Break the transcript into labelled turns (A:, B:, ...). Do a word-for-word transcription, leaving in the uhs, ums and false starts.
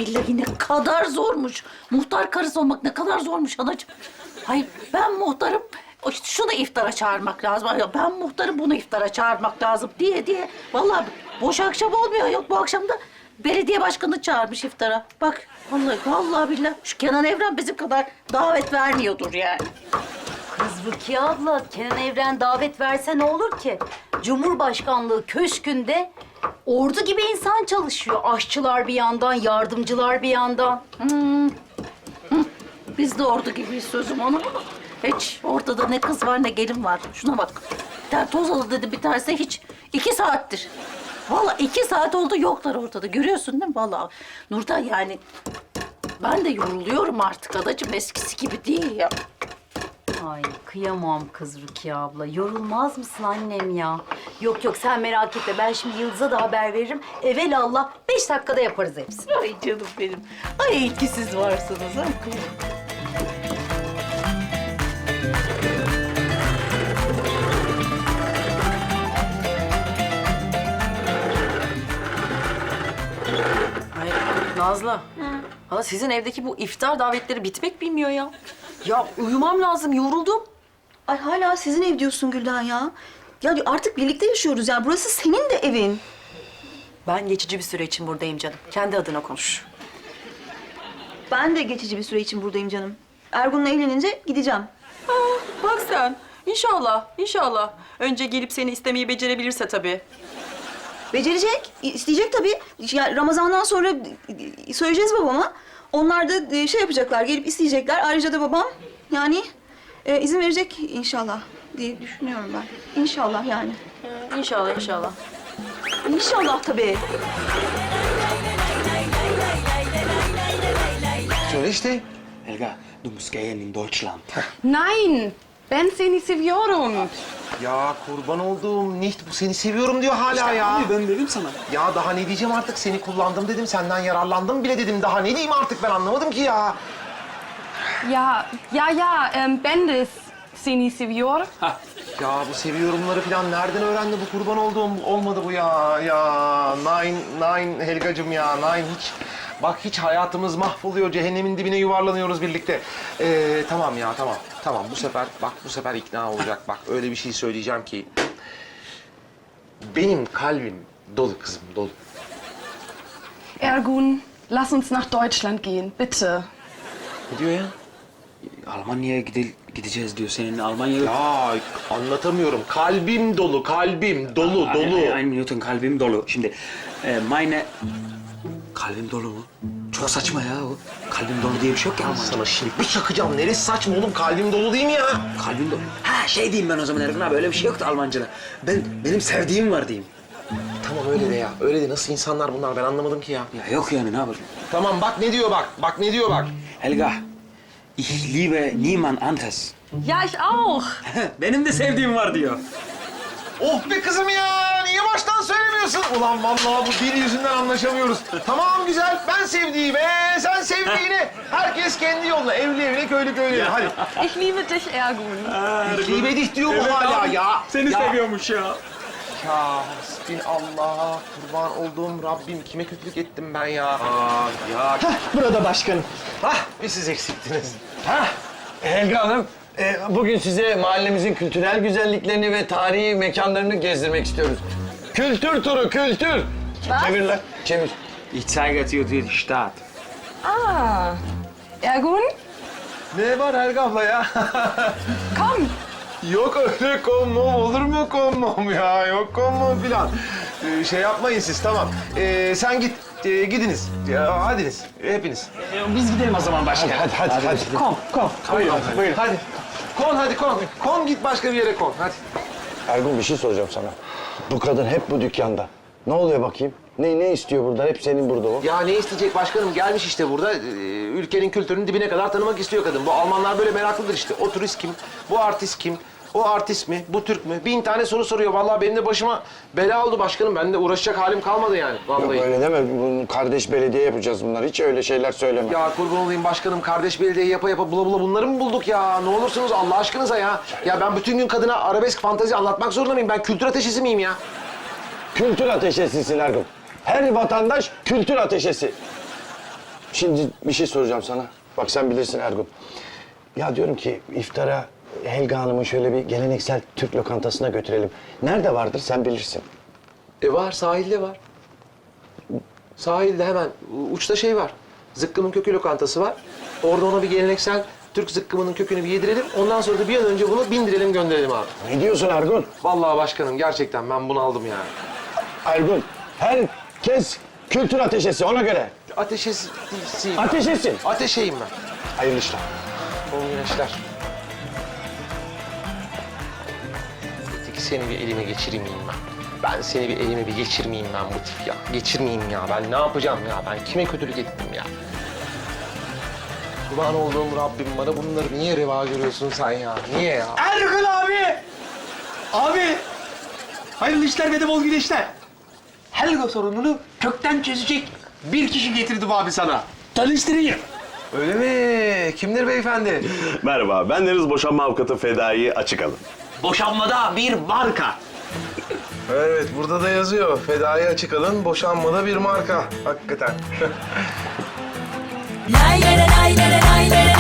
A: billahi ne kadar zormuş. Muhtar karısı olmak ne kadar zormuş anacığım. Hayır ben muhtarım. İşte şunu iftara çağırmak lazım. Ay, Ben muhtarım bunu iftara çağırmak lazım diye diye. Vallahi boş akşam olmuyor. Yok bu akşam da belediye başkanı çağırmış iftara. Bak vallahi vallahi billahi şu Kenan Evren bizim kadar davet vermiyordur yani.
B: Kız Rukiye abla, Kenan Evren davet verse ne olur ki? Cumhurbaşkanlığı köşkünde ordu gibi insan çalışıyor. Aşçılar bir yandan, yardımcılar bir yandan.
A: Biz de ordu gibiyiz sözüm ona. Hiç ortada ne kız var ne gelin var. Şuna bak. Bir tane toz alı dedi bir tanesi hiç. iki saattir. Vallahi iki saat oldu yoklar ortada. Görüyorsun değil mi? Vallahi Nurdan yani ben de yoruluyorum artık adacığım. Eskisi gibi değil ya.
B: Ay kıyamam kız Rukiye abla. Yorulmaz mısın annem ya? Yok yok sen merak etme. Ben şimdi Yıldız'a da haber veririm. Evelallah beş dakikada yaparız hepsini.
A: Ay canım benim. Ay iyi ki siz varsınız. Ha?
C: Ay Nazlı. Hala sizin evdeki bu iftar davetleri bitmek bilmiyor ya. Ya uyumam lazım, yoruldum.
D: Ay hala sizin ev diyorsun Gülden ya. Ya artık birlikte yaşıyoruz ya. Burası senin de evin.
C: Ben geçici bir süre için buradayım canım. Kendi adına konuş.
D: Ben de geçici bir süre için buradayım canım. Ergun'la evlenince gideceğim.
C: Bak sen. İnşallah, inşallah. Önce gelip seni istemeyi becerebilirse tabii.
D: Becerecek, isteyecek tabii. Ya Ramazan'dan sonra söyleyeceğiz babama. Onlar da şey yapacaklar, gelip isteyecekler. Ayrıca da babam yani e, izin verecek inşallah diye düşünüyorum ben. İnşallah yani.
C: İnşallah, inşallah.
D: İnşallah tabii.
E: Söyle işte.
F: Helga, du musst gehen in Deutschland.
G: Nein, ben seni seviyorum.
E: Ya kurban olduğum Nicht bu seni seviyorum diyor hala ya.
F: Abi ben dedim sana.
E: Ya daha ne diyeceğim artık seni kullandım dedim senden yararlandım bile dedim daha ne diyeyim artık ben anlamadım ki ya.
G: Ja, ja, ja, ähm, ben de seni seviyor.
E: Ya bu seviyorumları falan nereden öğrendi bu kurban olduğum olmadı bu ya ya Nine Nine Helgacığım ya Nine hiç bak hiç hayatımız mahvoluyor cehennemin dibine yuvarlanıyoruz birlikte. Ee, tamam ya tamam tamam bu sefer bak bu sefer ikna olacak bak öyle bir şey söyleyeceğim ki benim kalbim dolu kızım dolu.
G: Ergun, lass uns nach Deutschland gehen, bitte.
F: Ne diyor ya? Almanya'ya gide gideceğiz diyor. Senin Almanya'ya...
E: Ya anlatamıyorum kalbim dolu kalbim dolu
F: Ein-
E: dolu.
F: ein- Ein Minuten kalbim dolu. Şimdi e, meine... Kalbim dolu mu? Çok saçma ya o. Kalbim dolu diye bir şey yok ya Almanca.
E: Sana şimdi bir çakacağım neresi saçma oğlum kalbim dolu değil mi ya?
F: Kalbim dolu. Ha şey diyeyim ben o zaman Ergun abi öyle bir şey yoktu Almanca'da. Ben, benim sevdiğim var diyeyim.
E: Tamam öyle de ya öyle de nasıl insanlar bunlar ben anlamadım ki ya.
F: Ya yok yani ne yapayım?
E: Tamam bak ne diyor bak bak ne diyor bak.
F: Helga, ich liebe niemand anderes.
G: Ja, ich auch.
F: Benim de sevdiğim var diyor.
E: Oh be kızım ya niye baştan söylemiyorsun? Ulan vallahi bu dil yüzünden anlaşamıyoruz. Tamam güzel ben sevdiğime sen sevdiğine. Herkes kendi yoluna evli evli köylü köylü. Hadi.
G: Ich liebe dich, Ergun.
E: Libedih diyor bu hala ya.
F: Seni
E: ya.
F: seviyormuş ya.
E: Ya hasbinallah kurban olduğum Rabbim kime kötülük ettim ben ya. Aa, ya.
H: Burada başkanım.
E: Hah bir siz eksiktiniz.
H: Ha, Helga Hanım, e, bugün size mahallemizin kültürel güzelliklerini ve tarihi mekanlarını gezdirmek istiyoruz. Kültür turu, kültür. Çevir lan, çevir.
F: Ich zeige dir die Stadt.
G: Ah, Ergun,
E: Ne var Helga abla ya?
G: komm.
E: Yok öyle konmom olur mu konmom ya? Yok konmom filan. Ee, şey yapmayın siz tamam. Ee, sen git ee, gidiniz. Ya, hadiniz hepiniz.
F: Biz gidelim o zaman başka.
H: Hadi, hadi, hadi. hadi.
E: Kon kon.
H: Buyurun,
E: hadi.
H: buyurun.
E: Hadi. Kon hadi kon. Kon git başka bir yere kon hadi.
H: Ergun bir şey soracağım sana. Bu kadın hep bu dükkanda. Ne oluyor bakayım? Ne ne istiyor burada? Hep senin burada o.
E: Ya ne isteyecek başkanım gelmiş işte burada. Ee, ülkenin kültürünün dibine kadar tanımak istiyor kadın. Bu Almanlar böyle meraklıdır işte. O turist kim? Bu artist kim? O artist mi? Bu Türk mü? Bin tane soru soruyor. Vallahi benim de başıma bela oldu başkanım. Ben de uğraşacak halim kalmadı yani. Vallahi.
H: Yok öyle deme. Bunu kardeş belediye yapacağız bunlar. Hiç öyle şeyler söyleme.
E: Ya kurban olayım başkanım. Kardeş belediye yapa yapa bula bula bunları mı bulduk ya? Ne olursunuz Allah aşkınıza ya. Ya ben bütün gün kadına arabesk fantazi anlatmak zorunda mıyım? Ben kültür ateşisi miyim ya?
H: Kültür ateşesisin Ergun. Her vatandaş kültür ateşesi. Şimdi bir şey soracağım sana. Bak sen bilirsin Ergun. Ya diyorum ki iftara Helga Hanım'ı şöyle bir geleneksel Türk lokantasına götürelim. Nerede vardır sen bilirsin.
E: E var, sahilde var. Sahilde hemen uçta şey var. Zıkkımın kökü lokantası var. Orada ona bir geleneksel Türk zıkkımının kökünü bir yedirelim. Ondan sonra da bir an önce bunu bindirelim, gönderelim abi.
H: Ne diyorsun Ergun?
E: Vallahi başkanım gerçekten ben bunu aldım yani.
H: Ergun, herkes kültür ateşesi ona göre.
E: Ateşesi...
H: Ateşesin.
E: Ateşeyim ben.
H: Hayırlı işler.
E: Bol güneşler. Peki seni bir elime geçirmeyeyim ben. Ben seni bir elime bir geçirmeyeyim ben bu tip ya. Geçirmeyeyim ya. Ben ne yapacağım ya? Ben kime kötülük ettim ya? Kurban olduğum Rabbim bana bunları niye reva görüyorsun sen ya? Niye ya?
F: Ergun abi! Abi! Hayırlı işler ve de bol güneşler. Helga sorununu kökten çözecek bir kişi getirdim abi sana. Tanıştırayım.
E: Öyle mi? Kimdir beyefendi?
I: Merhaba, ben Deniz Boşanma Avukatı Fedai Açıkalın.
F: Boşanmada bir marka.
E: Evet, burada da yazıyor. Fedai açık alın, boşanmada bir marka. Hakikaten.
J: Lay lay lay lay lay lay